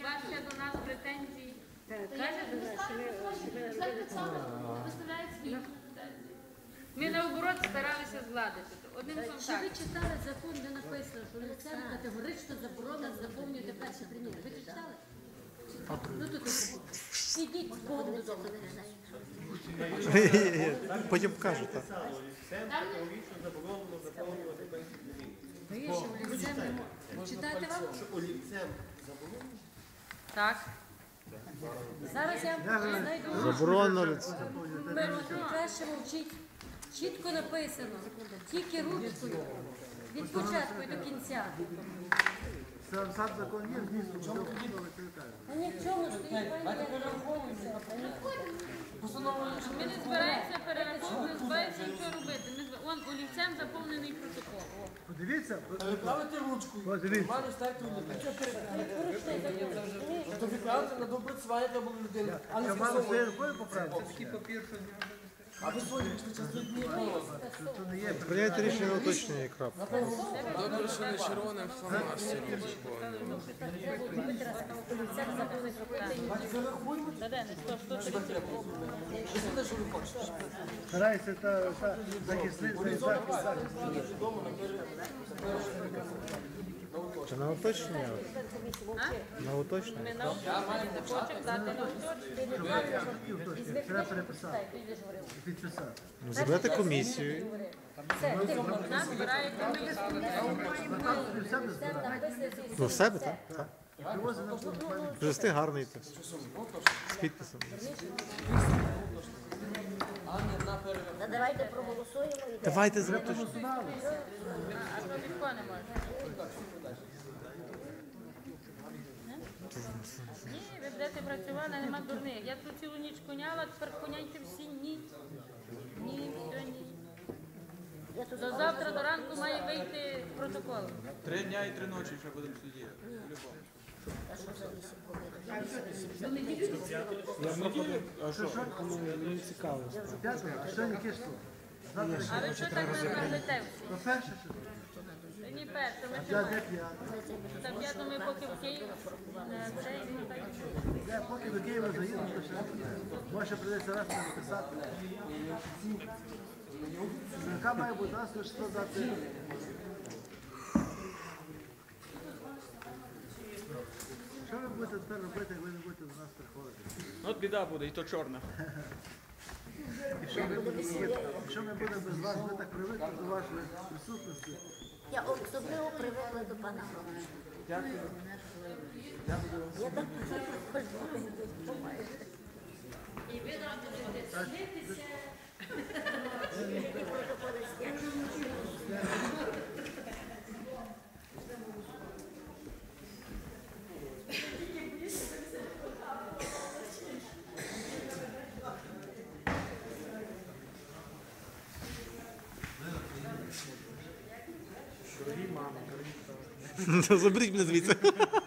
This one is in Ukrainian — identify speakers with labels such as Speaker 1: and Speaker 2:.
Speaker 1: вас ще до нас претензій. Ми наоборот старалися згладити. Одним словом
Speaker 2: Чи
Speaker 1: так.
Speaker 2: ви читали закон, де написано, що лицям категорично заборонено заповнювати перші приміри? Ви читали? Ну тут ідіть з Богом додому.
Speaker 3: Потім покажу, так.
Speaker 2: Ви ще олівцем не можете. Читати вам?
Speaker 1: Так.
Speaker 2: Зараз я знайду.
Speaker 3: Заборонено лице.
Speaker 2: Перше вчить. Чітко написано. Тільки ручкою. Від початку і до кінця.
Speaker 4: Сам закон є, змісту, що
Speaker 2: А ні в чому стоїть, пані, я розраховуюся.
Speaker 1: Ми не збираємося перераховувати, не збираємося нічого робити. Он олівцем заповнений протокол.
Speaker 4: Подивіться,
Speaker 5: Відправити ручку,
Speaker 4: подивіться.
Speaker 5: нормально ставити олівець. То відправити на допрацювання треба було людину, а не
Speaker 4: Я маю
Speaker 5: скасовувати.
Speaker 4: своєю рукою поправити.
Speaker 5: А ви сьогодні пішли час дні
Speaker 4: Це не є.
Speaker 3: Прийняти рішення уточнення і крапка.
Speaker 6: Добре, що не червоним фломастером заповнено.
Speaker 5: зарахуємо. Що це, що ви хочете?
Speaker 4: Старайся та захисти захист.
Speaker 3: Чи на уточнення? На уточнення?
Speaker 1: Ми на уточнення не хочемо дати на уточнення.
Speaker 4: Треба переписати. Підписати.
Speaker 3: Ну, зробити комісію.
Speaker 1: Нас збирає комісія.
Speaker 4: Все не збирати.
Speaker 3: Ну, в себе, так? Так.
Speaker 4: Привозить на платформу.
Speaker 3: Жести гарний тест. З підписом.
Speaker 7: Та давайте проголосуємо і
Speaker 3: Давайте зробити.
Speaker 1: А що Вітко не може? Ні, ви будете працювати, нема дурних. Я тут цілу ніч коняла, тепер коняйте всі ні. Ні, все, ні. До завтра до ранку має вийти протокол.
Speaker 6: 3 дня і 3 ночі ще будемо сидіти.
Speaker 3: Мені цікаво.
Speaker 4: П'ятого, а що не кишку?
Speaker 1: А ви що так не зробите всі?
Speaker 4: То перше, що
Speaker 1: Ні, перше, ми
Speaker 4: я
Speaker 1: ще
Speaker 4: де п'ятого.
Speaker 1: так, я думаю, поки в Київ цей, ну, так.
Speaker 4: Я поки до Києва заїду, то ще може прийдеться раз написати. Яка має бути раз, то що дати. Що ви будете тепер робити, як ви не будете до нас приходити?
Speaker 6: От біда буде, і то чорна.
Speaker 4: Якщо ми будемо без вас, ми так привикли до вашої присутності.
Speaker 7: я особливо привикла до пана Громова.
Speaker 4: Дякую.
Speaker 7: Я так кожного допомагаю.
Speaker 3: Заберіть мене звідси.